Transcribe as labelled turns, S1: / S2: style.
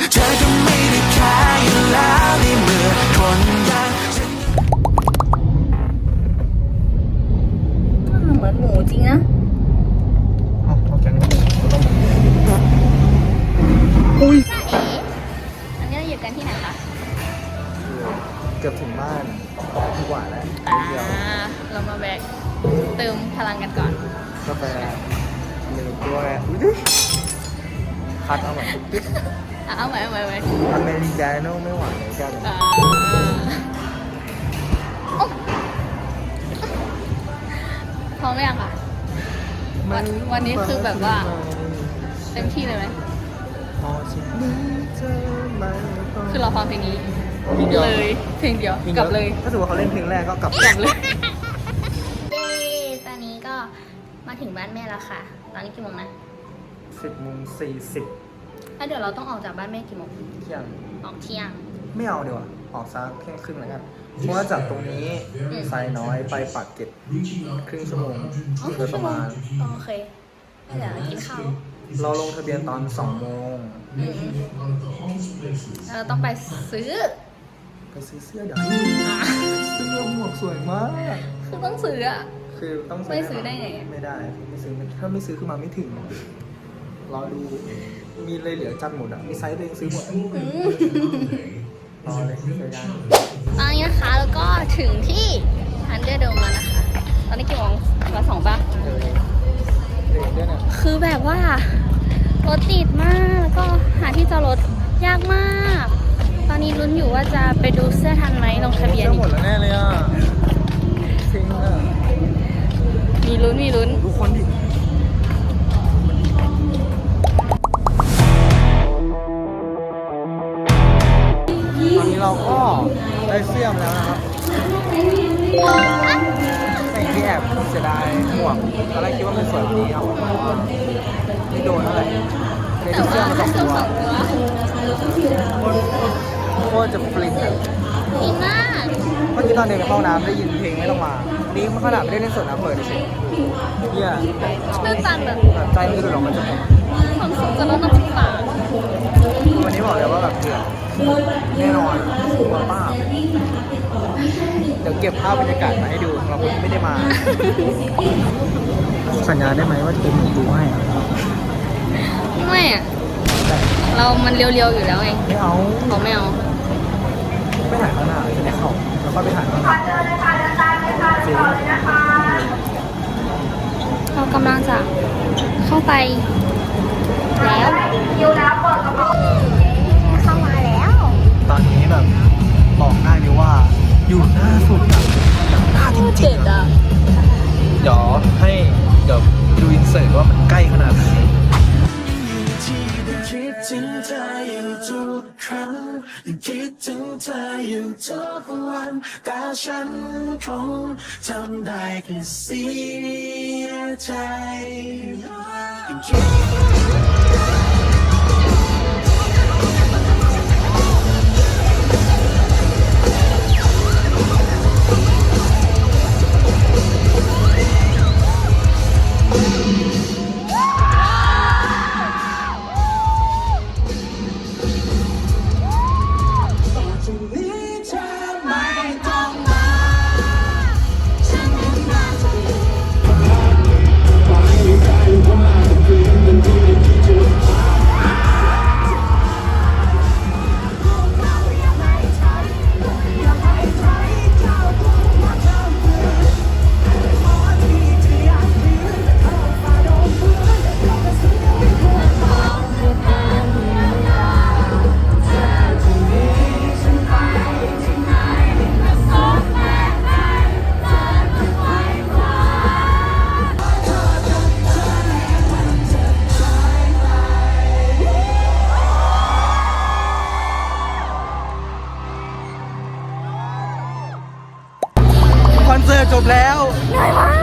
S1: เธอก็ไม่ได้แค่อยู่แล้วในเมื่อคนอย่างฉัน
S2: เหมือนหมูจริงนะ
S3: เอาแกงก็ต้องอุ้ย
S2: จ้าเอ๋อันนี้เราอยู่กันที่ไหนคะ
S3: เกือบถึงบ้านดีกว่าแล้ว
S2: เรามาแบกเติมพลังกันก่อน
S3: กาแฟหนึ่งด้วยอุ๊ยคัดเอาแบบติ๊ก
S2: เอาใหม่
S3: อเมริกาโน่ไม่หวานเลยกัน
S2: พร้อมไหมยังคะวันนี้คือแบบว่าเต็มที่เลยไหมคือเราฟังเพลงนี้เลยเพลงเดียวกลับเลย
S3: ถ้าสมมติเขาเล่นเพลงแรกก็กลับ
S2: เลยเย้ตอนนี้ก็มาถึงบ้านแม่แล้วค่ะตอนนี้กี่โมงนะ
S3: 10:40
S2: แล้วเดี๋ยวเราต้องออกจากบ้านแม่กี่โมง
S3: เที่ยง
S2: ออกเที่ยง
S3: ไม่เอาดีกว่าออกซักแค่ครึ่งแล้วกันเพราะว่าจากตรงนี้ไซน้อยไปปากเกร็ดครึ่งชั่วโมงโดยประมาณ
S2: โอเคเดี๋ยวกินข้าว
S3: เราลงทะเบียนตอน2 โมง
S2: แล้วเราต้องไปซื้อ
S3: ไปซื้อเสื้อเดี๋ยวเสื้อหมวกสวยมาก
S2: คือต้องซื้ออะ
S3: คือต้อง
S2: ไม่ซื้อได้ไง
S3: ไม่ได้ไม่ซื้อถ้าไม่ซื้อคือมาไม่ถึงรอดูมีเลยเหลือจัดหมดอ่ะมีไซส์ตัวเองซื้อหมดรอเลยเจอกัน
S2: ตอนนี้นะคะแล้วก็ถึงที่ฮันเดอร์โดมแล้วนะคะ ตอนนี้กี่โมงมา2 ป่ะ
S3: เด็กด้วยเนี่ย
S2: คือแบบว่ารถติดมาก แล้วก็หาที่จอดรถยากมาก ตอนนี้ลุ้นอยู่ว่าจะไปดูเสื้อทันไหมลงทะเบียน
S3: เสื้อหมดแล้วแน่เลยอ่ะทิ้งอ่ะ
S2: มีลุ้น
S3: ทุกคนดิตอนนี้เราก็ได้เสื้อมาแล้วนะครับแต่ที่แอบเสียดายหมวกตอนแรกคิดว่ามันสวยกว่านี้เอาไม่โดนเท่าไหร่ใน
S2: แต่
S3: เสื้อ
S2: ว่า
S3: มัน
S2: ถ้า
S3: สอง
S2: เสื้อ
S3: ตัว
S2: 2 ตัว
S3: โคตรจะฟลินอ่ะ
S2: ดีมาก
S3: เมื่อกี้ตอนเดินไปเข้าน้ำได้ยินเพลงไม่ต้องมานี่มันขนาดไม่ได้เล่นสดนะเปิดเฉยเนี่ย
S2: ตื้นตันแบบ
S3: ใจมันจะหลงมันจะหมด
S2: ความสุขจะลดน้ำตา
S3: วันนี้บอกเลยว่าแบบเดือดแน่นอนสูงกว่าป้าเดี๋ยวเก็บภาพบรรยากาศมาให้ดูสำหรับคนที่ไม่ได้มา สัญญาได้ไหมว่าจะเป็นดูให้
S2: ไม่อะเรามันเรียวๆอยู่แล้วไง
S3: ไม่เอา
S2: เขาไม่เอา
S3: ไม่ถ่ายข้างหน้าจะได้เข้าแล้วก็ไปถ่ายข้างหน้าจริง
S2: เรากำลังจะเข้าไปแล้วเข้ามาแล้ว
S3: ตอนนี้แบบบอกได้เลยว่าอยู่หน้าสุดอะหน้าจริงๆอะเดี๋ยวดูอินเสิร์ตว่ามันใกล้ขนาดไหน
S1: คิดถึงเธออยู่ทุกครั้งคิดถึงเธออยู่ทุกวันแต่ฉันคงทำได้แค่เสียใจ
S3: คอนเสิร์ตจบแล้ว
S2: เหนื่อยมาก